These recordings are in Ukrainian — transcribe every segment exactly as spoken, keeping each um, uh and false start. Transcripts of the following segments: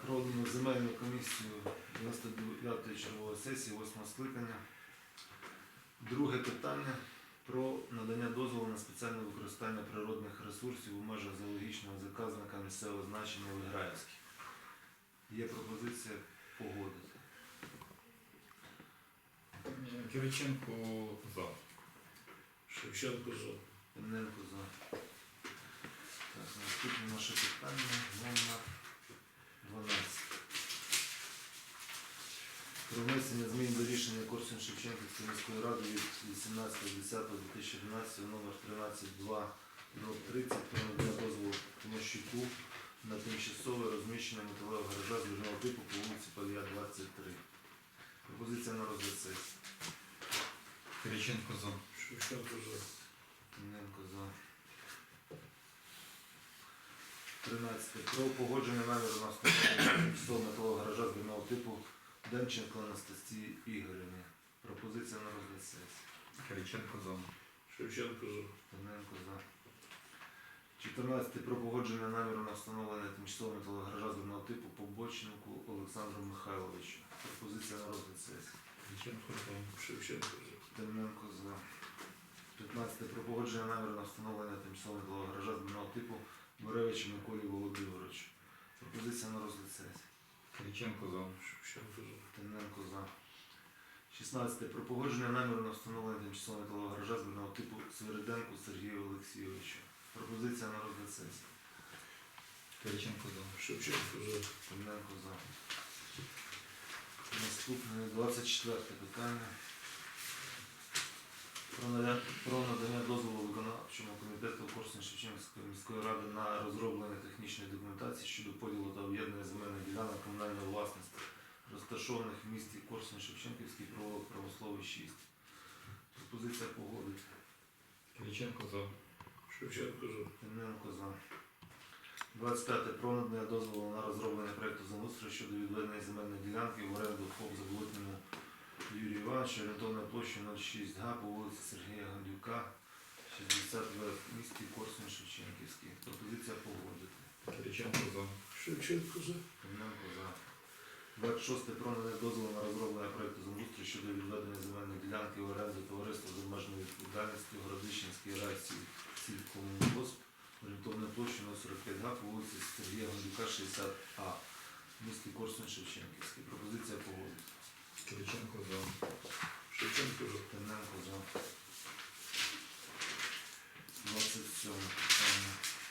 Проводимо земельну комісію дев'яносто дев'ятої чергової сесії восьмого скликання. Друге питання про надання дозволу на спеціальне використання природних ресурсів у межах зоологічного заказника місцевого значення Виграївський. Є пропозиція погодити. Кириченко за. Шевченко за. Темненко за. Так, наступне наше питання номер дванадцять. Про внесення змін до рішення Корсунь-Шевченківської міської ради від вісімнадцятого десятого дві тисячі одинадцятого номер тринадцять два тридцять про надання дозволу Тимощуку на тимчасове розміщення металевого гаража з різного типу по вулиці Павія, двадцять три. Пропозиція на розгляд сесії. Кириченко за. Шевченко за. Тимненко за. тринадцяте. Про погодження наміру на встановлення тимчасового металового гаража з різного типу Демченко Анастасії Ігорівні. Пропозиція на розгляд сесії. Кириченко за. Шевченко за. Тимненко за. чотирнадцяте. Про погодження наміру на встановлення тимчасового металового гаража з різного типу Побочнику Олександру Михайловичу. Пропозиція на розгляд сесії. Кириченко за. Шевченко за. Тимненко за. п'ятнадцяте. Про погодження наміру на встановлення тимчасового металового гаража з різного типу Буревичу Миколі Володимировичу. Пропозиція на розгляд сесії. Кириченко за. Шевченко за. Тимненко за. шістнадцяте. Про погодження наміру на встановлення тимчасового металового гаража з різного типу Свириденку Сергію Олексійовичу. Пропозиція на розгляд сесії. Кириченко за. Шевченко за. Тимненко за. Наступне двадцять четверте питання. Про надання, про надання дозволу виконавчому комітету Корсунь-Шевченківської міської ради на розроблення технічної документації щодо поділу та об'єднання земельних ділянок комунальної власності, розташованих в місті Корсунь-Шевченківський провулок Промисловий шість. Пропозиція погодити. Кириченко за. Шевченко за. Тимненко за. двадцять п'яте. Про надання дозволу на розроблення проєкту землеустрою щодо відведення земельної ділянки в оренду ФОП Заболотному Юрію Івановичу, орієнтовною площею нуль шість га по вулиці Сергія Гандюка, шістдесят два в місті Корсунь-Шевченківський. Пропозиція погодити. Кириченко за. Шевченко за. Тимненко за. двадцять шосте. Про надання дозволу на розроблення проєкту землеустрою щодо відведення земельної ділянки в оренду товариства з обмеженою відповідальністю Городищенський райсільськомунгосп, орієнтовною площею нуль сорок п'ять га по вулиці Сергія Гандюка, шістдесят а в місті Корсунь-Шевченківський. Пропозиція погодити. Кириченко за. Шевченко за. Тимненко за. двадцять сьоме питання.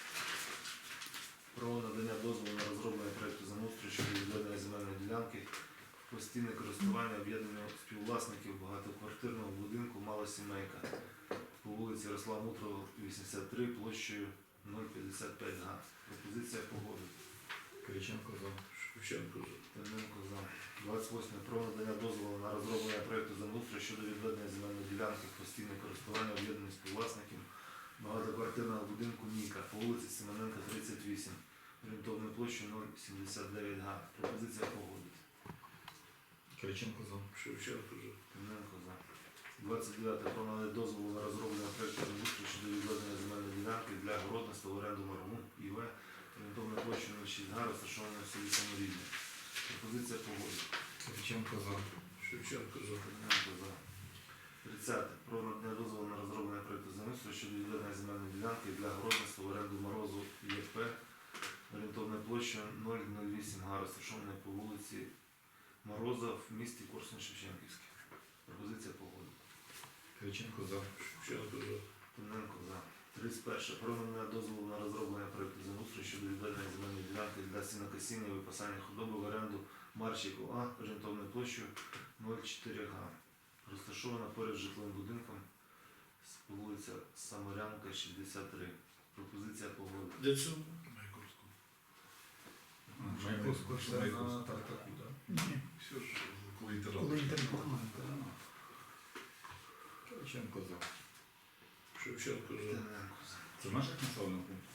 Про надання дозволу на розроблення проєкту землеустрою щодо відведення земельної ділянки в постійне користування об'єднання співвласників багатоквартирного будинку «Мала сімейка» по вулиці Ярослава Мудрого, вісімдесят три, площею нуль п'ятдесят п'ять га. Пропозиція погодити. Кириченко за. Шевченко за. Тимненко за. двадцять восьме. Про надання дозволу на розроблення проєкту землеустрою щодо відведення земельної ділянки в постійне користування об'єднаних співвласників багатоквартирного будинку «Ніка» по вулиці Семененка, тридцять вісім, орієнтовною площею нуль сімдесят дев'ять га. Пропозиція погодити. Кириченко за. Шевченко за. Тимненко за. двадцять дев'яте. Про надання дозволу на розроблення проєкту землеустрою щодо відведення земельної ділянки для городництва в оренду Маргун І В, орієнтовною площею нуль шість га, розташованою в селі Саморідне. Пропозиція погодити. Кириченко за. Шевченко за. Тимненко за. тридцяте. Про надання дозволу на розроблення проєкту землеустрою щодо відведення земельної ділянки для городництва в оренду Морозу Є Пе, орієнтовною площею нуль нуль вісім га, розташованою по вулиці Мороза в місті Корсунь-Шевченківський. Пропозиція погодити. Кириченко за. Шевченко за. Тимненко за. тридцять перше. Про надання дозволу на розроблення проєкту землеустрою щодо відведення земельної ділянки для сінокосіння і випасання худоби в оренду Марчику А, орієнтовною площею нуль чотири га. Розташована поряд з житловим будинком з вулиця Самарянка, шістдесят три. Пропозиція погодити. Де це? Маяковського це на Тартаку, так? Ні, все ж коли інтернет. Коли інтернет. Кириченко за. Шевченко за. Тимненко за. Це в наших населених пунктах?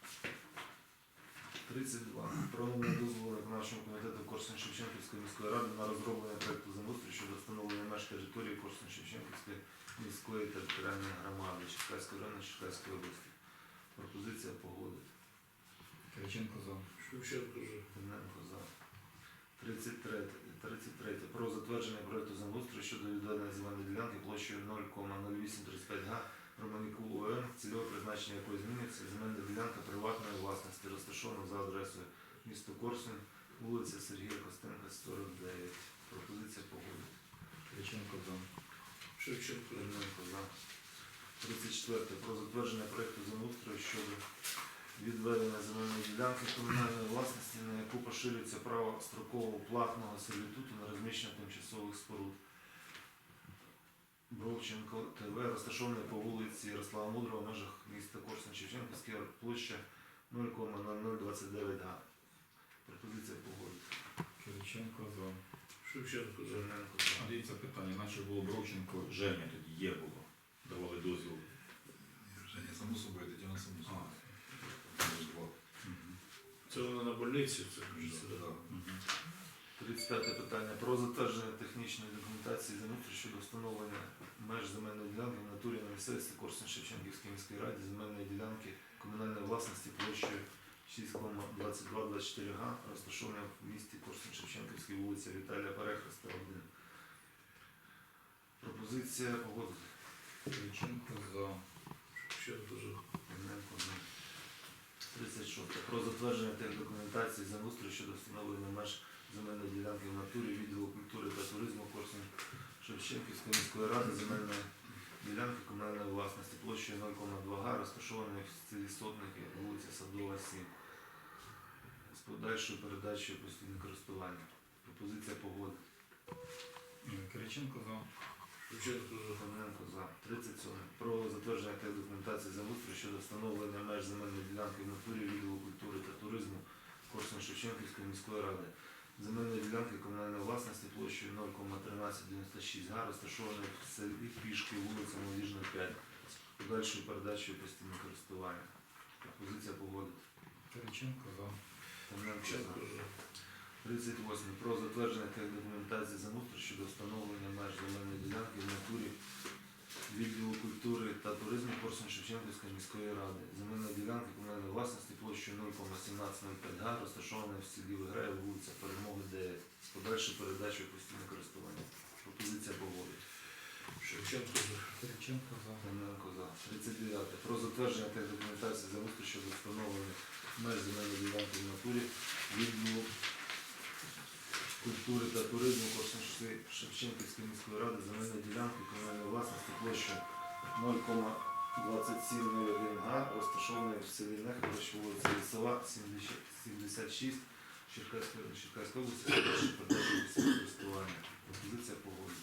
тридцять два. Про надання дозволу виконавчому комітету Корсунь-Шевченківської міської ради на розроблення проєкту землеустрою щодо встановлення меж території Корсунь-Шевченківської міської територіальної громади Черкаської району Черкаської області. Пропозиція погодити. Кириченко за. Шевченко за. Тимненко за. тридцять три. тридцять три. Про затвердження проекту землеустрою щодо відведення земельної ділянки площею нуль кома нуль вісім тридцять п'ять га Романюку ОМ, цільове призначення якої змінюється, земельна ділянка приватної власності, розташована за адресою місто Корсунь, вулиця Сергія Костенка, сорок дев'ять. Пропозиція погодити. Кириченко за. Шевченко за. Тимненко за. тридцять четверте. Про затвердження проекту землеустрою щодо відведення земельної ділянки комунальної власності, на яку поширюється право строкового платного сервітуту на розміщення тимчасових споруд. Бровченко ТВ, розташований по вулиці Ярослава Мудрого в межах міста Корсунь-Шевченківська, площа нуль кома нуль нуль двадцять дев'ять га. Пропозиція погодити. Кириченко за. Шевченко за. Тимненко за. А дивіться питання, наче було Бровченко, Женя тоді є було. Давали дозвіл. Женя, само собою, Тетяна само А, собою. Там ж два. мгм. Це вона на больниці, це Да, кажеться, да. да? Мгм. тридцять п'яте питання. Про затвердження технічної документації землеустрою щодо встановлення меж земельної ділянки в натурі на місцевості Корсунь-Шевченківської міської раді, земельної ділянки комунальної власності площею шість кома двадцять два двадцять чотири га, розташована в місті Корсунь-Шевченківській, вулиця Віталія Перехреста, один. Пропозиція погодити. Кириченко за. Шевченко за. Тимненко за. тридцять шосте. Про затвердження тих документацій землеустрою щодо встановлення меж земельної ділянки в натурі відділу культури та туризму Корсунь Шевченківської міської ради, земельної ділянки комунальної власності площею нуль кома два га, розташованої в селі Сотники, вулиця Садова, сім, з подальшою передачею постійне користування. Пропозиція погоди. Кириченко за. Шевченко за. Тимненко за. тридцять сьоме. Про затвердження тих документацій землеустрою щодо встановлення меж земельної ділянки в натурі відділу культури та туризму Корсунь Шевченківської міської ради. Земельної ділянки комунальної власності площею нуль кома тринадцять дев'яносто шість га, розташованої в селі Пішки, вулиця Молодіжна, п'ять, з подальшою передачею постійне користування. Пропозиція погодити. Кириченко за. Тимненко за. Шевченко за. тридцять восьме. Про затвердження тих документацій землеустрою щодо встановлення меж земельної ділянки в натурі відділу культури та туризму Корсунь-Шевченківської міської ради. Земельна ділянка комунальної власності площею нуль кома сімнадцять нуль п'ять га, розташована в селі Виграєв, вулиця Перемоги, дев'ять, з подальшою передачею постійне користування. Пропозиція погодить. Шевченко за. Кириченко за. Тимненко за. тридцять дев'яте. Про затвердження тих документацій землеустрою щодо встановлення меж земельної ділянки в натурі відділу культури та туризму Корсунь-Шевченківської міської ради, земельної ділянки комунальної власності площею нуль кома двадцять сім нуль один га, розташованої в селі Нехович, вулиця Лісова, сімдесят шість, Черкаської Черкаської області, передачі передачі користування. Пропозиція погоди.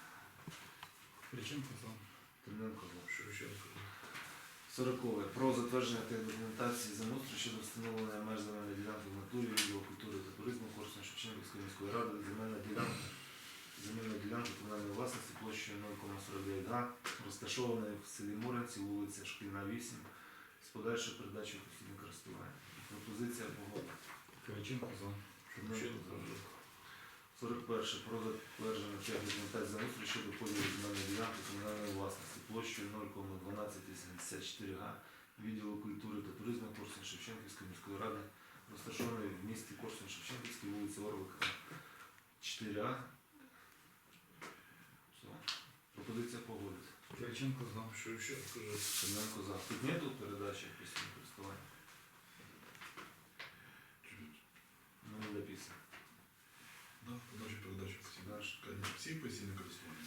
Кириченко за. Тимненко за. Шевченко за. Сорокове. Про затвердження тих документацій землеустрою щодо встановлення меж земельної ділянки в натурі відділу культури та туризму Корсунь Шевченківської міської ради, земельна ділянка земельної ділянки комунальної власності площею нуль кома сорок дев'ять га, розташованої в селі Моринці, вулиця Шкільна, вісім, з подальшою передачею постійне користування. Пропозиція погоди. Кириченко за. Шевченко за. сорок перше. Про затвердження тих документацій землеустрою щодо поділу земельної ділянки комунальної власності площею нуль кома дванадцять сімдесят чотири га, відділу культури та туризму Корсунь Шевченківської міської ради, розташованої в місті Корсунь Шевченківській, вулиця Орлика, чотири А. Все. Пропозиція погодити. Кириченко за. Шевченко за. Тимненко за. Тут нету передачі постійне користування? Ну, не написано. Да, подача, передача. Всі, Дальше. Конечно, всі постійне користування.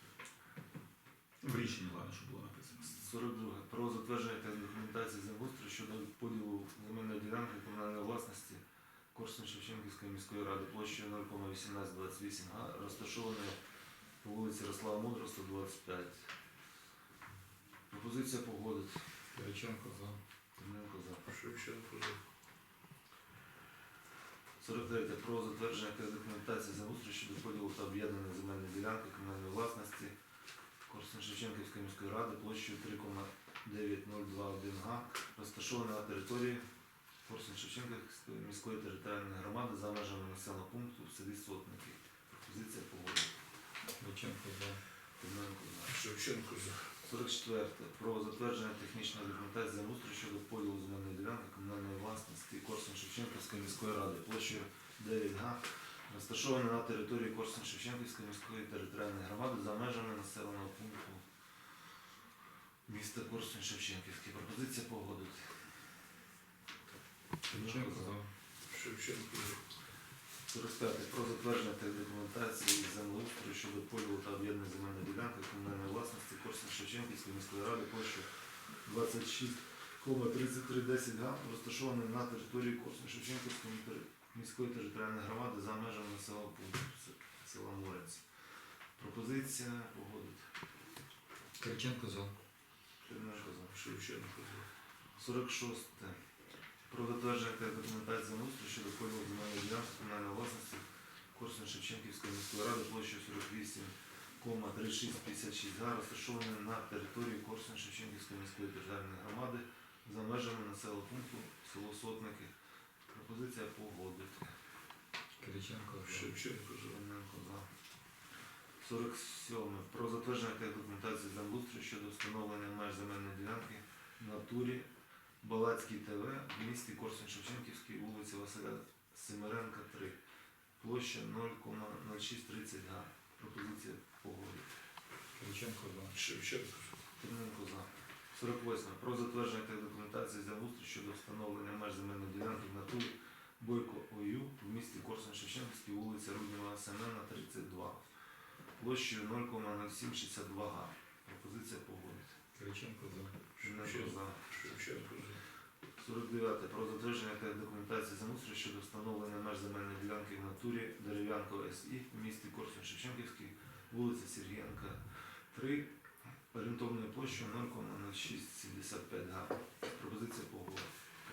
В рішенні, ладно, що було написано. сорок друге. Про затвердження та документації землеустрою щодо поділу земельної ділянки комунальної власності Корсунь Шевченківської міської ради площею нуль кома вісімнадцять двадцять вісім га, розташованої по вулиці Ярослава Мудрого, сто двадцять п'ять. Пропозиція погодити. Кириченко за. Тимненко за. Шевченко за. сорок третє. Про затвердження та документації землеустрою щодо поділу та об'єднання земельної ділянки комунальної власності Корсунь Шевченківської міської ради площею три кома дев'ять нуль два один га, розташована на території Корсунь Шевченківської міської територіальної громади за межами населеного пункту в селі Сотники. Пропозиція погоди. Кириченко за. Тимненко за. Шевченко за. сорок четверте. Про затвердження технічної документації землеустрою щодо поділу земельної ділянки комунальної власності Корсунь Шевченківської міської ради площею дев'ять га, розташоване на території Корсунь-Шевченківської міської територіальної громади за межами населеного пункту міста Корсунь-Шевченківський. Пропозиція погодити. Кириченко за. Шевченко за. сорок п'яте. Про затвердження та документації землеустрою щодо поділу та об'єднання земельної ділянки комунальної власності Корсунь-Шевченківської міської ради площею двадцять шість кома тридцять три десять га, розташований на території Корсунь-Шевченківської міської територіальної громади за межами населеного пункту с- села Морець. Пропозиція погодити. Кириченко за. Тимненко за. Шевченко за. сорок шосте. Про затвердження та документації землеустрою щодо поділу земельної ділянки комунальної власності Корсунь-Шевченківської міської ради площею сорок вісім кома тридцять шість п'ятдесят шість га, розташованої на території Корсунь-Шевченківської міської територіальної громади за межами населеного пункту село Сотники. Пропозиція погодити. Кириченко за. Шевченко за. Тимненко за. сорок сьоме. Про затвердження та документації землеустрою щодо встановлення меж земельної ділянки в натурі Балацький ТВ в місті Корсунь-Шевченківській, вулиця Василя Семеренка, три. Площа нуль кома нуль шість тридцять га. Пропозиція погодити. Кириченко за. Шевченко за. Тимненко за. сорок восьме. Про затвердження та документації землеустрою щодо встановлення меж земельної ділянки в натурі Бойко ОЮ в місті Корсунь-Шевченківській, вулиця Руднєва Семена, тридцять два. Площею нуль кома нуль сім шістдесят два га. Пропозиція погодити. Кириченко за. Тимненко за. Шевченко за. сорок дев'яте. Про затвердження та документації землеустрою щодо встановлення меж земельної ділянки в натурі Дерев'янко СІ в місті Корсунь-Шевченківський, вулиця Сергієнка, три, орієнтовною площею нуль кома нуль шість сімдесят п'ять га. Пропозиція погодити.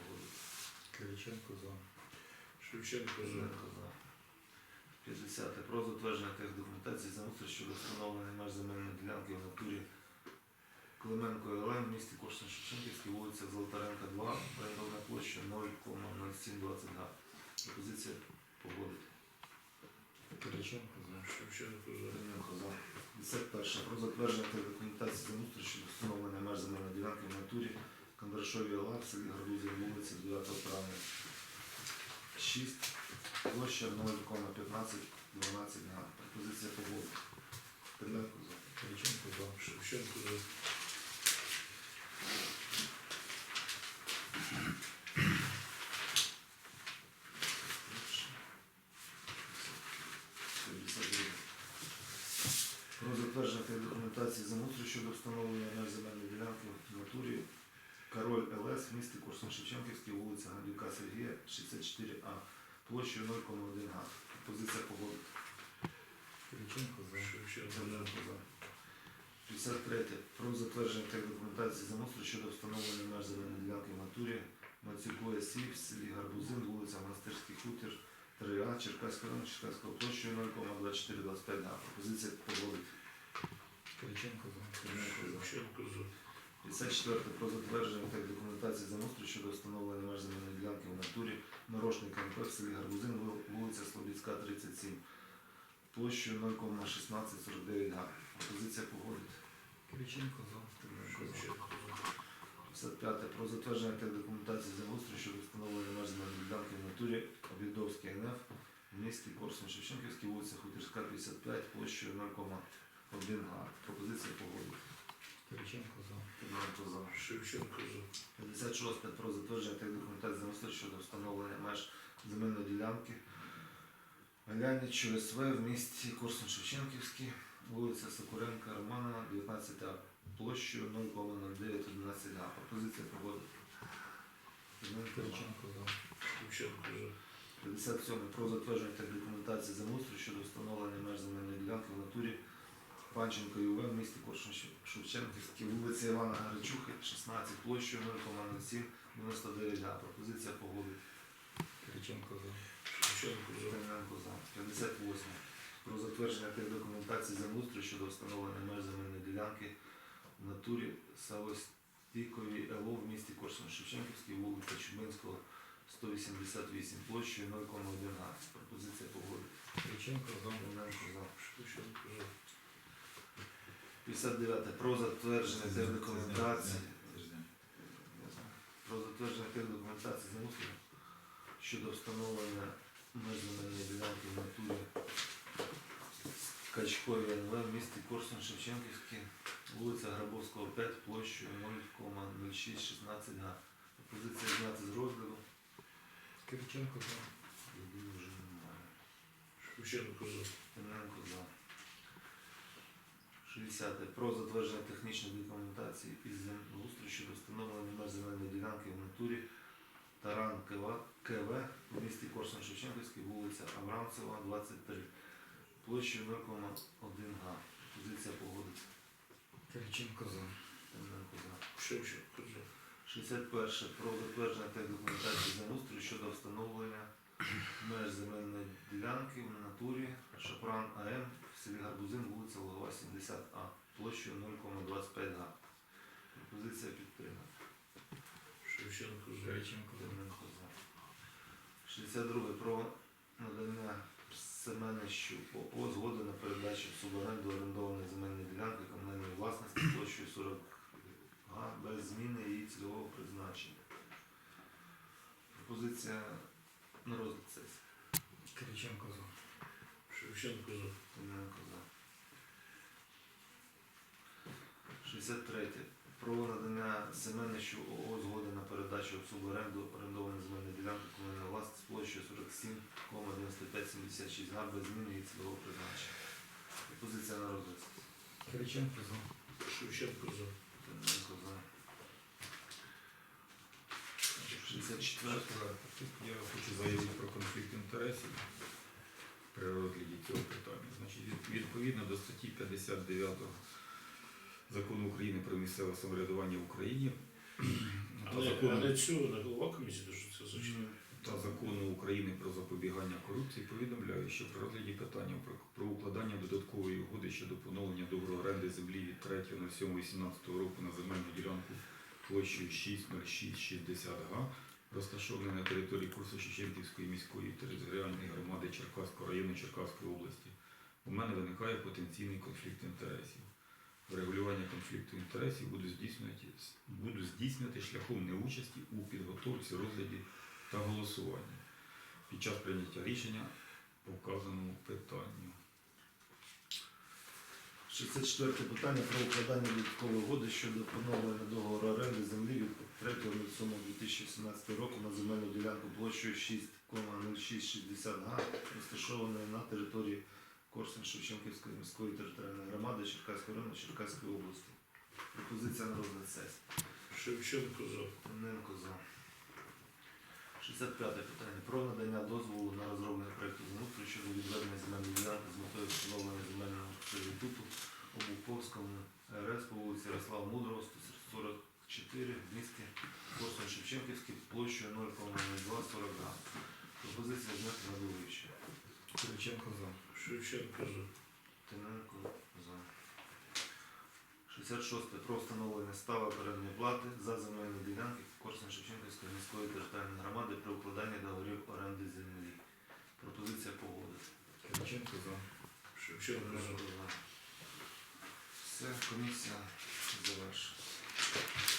Кириченко за. Шевченко за. Тимненко за. п'ятдесяте. Про затвердження та документації землеустрою щодо встановлення меж земельної ділянки в натурі Клименко ЛМ в місті Корсунь-Шевченківській, вулиця Золотаренка, два, орієнтовна площа нуль кома нуль сім двадцять га. Пропозиція погодити. Кириченко за. Шевченко за. Тимненко за. п'ятдесят перше. Про затвердження та документації землеустрою щодо встановлення меж земельної ділянки в натурі Кондрашові ЛА в селі Гарбузів, вулиця дев'ятого травня, шість, площа нуль кома п'ятнадцять дванадцять га. Пропозиція погодити. Тимненко за. Кириченко за. Шевченко за. п'ятдесят друге. Про затвердження та документації землеустрою щодо встановлення меж земельної ділянки в натурі Король ЛС в місті Корсунь-Шевченківській, вулиця Гандюка Сергія, шістдесят чотири А, площею нуль кома один га. Позиція погодити. Кириченко за. Шевченко за. Тимненко за. п'ятдесят третє. Про затвердження та документації землеустрою щодо встановлення меж земельної ділянки в натурі Мацюку СІ в селі Гарбузин, вулиця Монастирський хутір, три А, Черкаського району, Черкаського площею нуль кома двадцять чотири двадцять п'ять га. Пропозиція погодити. Кириченко за. Тимненко за. Шевченко за. п'ятдесят четверте. Про затвердження та документації землеустрою щодо встановлення меж земельної ділянки в натурі Морошний КМП в селі Гарбузин, вул- вулиця Слобідська, тридцять сім, площею нуль кома шістнадцять сорок дев'ять га. Пропозиція погодити. Кириченко за. Тимненко за. Шевченко за. п'ятдесят п'яте. Про затвердження та документації землеустрою щодо встановлення меж земельної ділянки в натурі Обідовський ен еф в місті Корсунь-Шевченківській, вулиця Хутірська, п'ятдесят п'ять, площею нуль кома один га. Пропозиція погодити. Кириченко за. Тимненко за. Шевченко за. п'ятдесят шосте. Про затвердження та документації землеустрою щодо встановлення меж земельної ділянки Галянічу СВ в місті Корсунь-Шевченківський, вулиця Сокуренка Романа, дев'ятнадцять А, площею нуль кома нуль дев'ять одинадцять га. Пропозиція погодити. Тимненко за. Кириченко за. Шевченко за. п'ятдесят сьоме. Про затвердження та документації землеустрою щодо встановлення меж земельної ділянки в натурі Панченко ЮВ в місті Корсунь-Шевченківській, вулиця Івана Гаричухи, шістнадцять, площею нуль кома нуль сім дев'яносто дев'ять га. Пропозиція погодити. Кириченко за. Шевченко за. Тимненко за. п'ятдесят восьме. Про затвердження тих документацій землеустрою щодо встановлення меж земельної ділянки в натурі Савостійковій ЛО в місті Корсунь-Шевченківській, вулиця Чубинського, сто вісімдесят вісім, площею нуль кома один га. Пропозиція погодити. Кириченко за. Тимненко за. Шевченко за. п'ятдесят дев'яте. Про затвердження тих документацій. Це ж не. Про затвердження тих документацій землеустрою щодо встановлення меж земельної ділянки в натурі Качкові ен ве в місті Корсунь Шевченківський, вулиця Грабовського, п'ять, площею нуль кома нуль шість шістнадцять га. Пропозиція зняти з розгляду. Кириченко за. Людей вже немає. Шевченко за. Тимненко за. шістдесят. Про затвердження технічної документації із землеустрою щодо встановлення меж земельної ділянки в натурі Таран КВ в місті Корсунь Шевченківський, вулиця Абрамцева, двадцять три. Площею нуль кома один га. Позиція погодиться. Кириченко за. Тимненко за. Шевченко за. шістдесят перше. Про затвердження та документації землеустрою щодо встановлення меж земельної ділянки в натурі Шапран АМ в селі Гарбузин, вулиця Лугова, сімдесят А, площею нуль кома двадцять п'ять га. Пропозиція підтримана. Шевченко за. Кириченко за. Тимненко за. шістдесят друге. Про надання Семенищу ООО згоди на передачу в суборенду орендованої земельної ділянки комунальної власності площею сорок га без зміни її цільового призначення. Пропозиція на розгляд сесії. Кириченко за. Шевченко за. Тимненко за. шістдесят третє. Про надання Семенищу ООО згоди на передачу в суборенду орендованої земельної ділянки комунальної власності площею сорок сім кома дев'яносто п'ять сімдесят шість га без зміни її цільового призначення. Пропозиція на розгляд сесії. Кириченко за. Шевченко за. Тимненко за. шістдесят четверте. Тут я хочу заявити про конфлікт інтересів при розгляді цього питання. Значить, від- відповідно до статті п'ятдесят дев'ять Закону України про місцеве самоврядування в Україні та Але, закону, але цього не голова комісії, то що це зачитає. та закону України про запобігання корупції повідомляю, що при розгляді питання про, про укладання додаткової угоди щодо поновлення договору оренди землі від третього на сьоме вісімнадцятого року на земельну ділянку площею шість нуль шість шістдесят га, розташований на території Корсунь-Шевченківської міської територіальної громади Черкаського району Черкаської області, у мене виникає потенційний конфлікт інтересів. Врегулювання конфлікту інтересів буду здійснювати, буду здійснювати шляхом неучасті у підготовці, розгляді та голосуванні під час прийняття рішення по вказаному питанню. шістдесят четверте питання про укладання додаткової угоди щодо поновлення договору оренди землі від третього сьомого дві тисячі сімнадцятого року на земельну ділянку площею шість кома нуль шість шістдесят га, розташованої на території Корсунь-Шевченківської міської територіальної громади Черкаського району Черкаської області. Пропозиція на розгляд сесії. Шевченко за. Тимненко за. шістдесят п'яте питання про надання дозволу на розроблення проєкту землеустрою щодо відведення земельної ділянки з метою встановлення земельного сервітуту у Буковському РС по вулиці Ярослава Мудрого, сто сорок чотири в місті Корсунь-Шевченківський площею нуль кома нуль два сорок га. Пропозиція зняти на довивчення. Кириченко за. Шевченко за. Тимненко за. шістдесят шосте. Про встановлення ставок орендної плати за земельні ділянки Корсунь-Шевченківської міської територіальної громади при укладанні договорів оренди землі. Пропозиція погодити. Кириченко за. Шевченко за. Все, комісія завершена.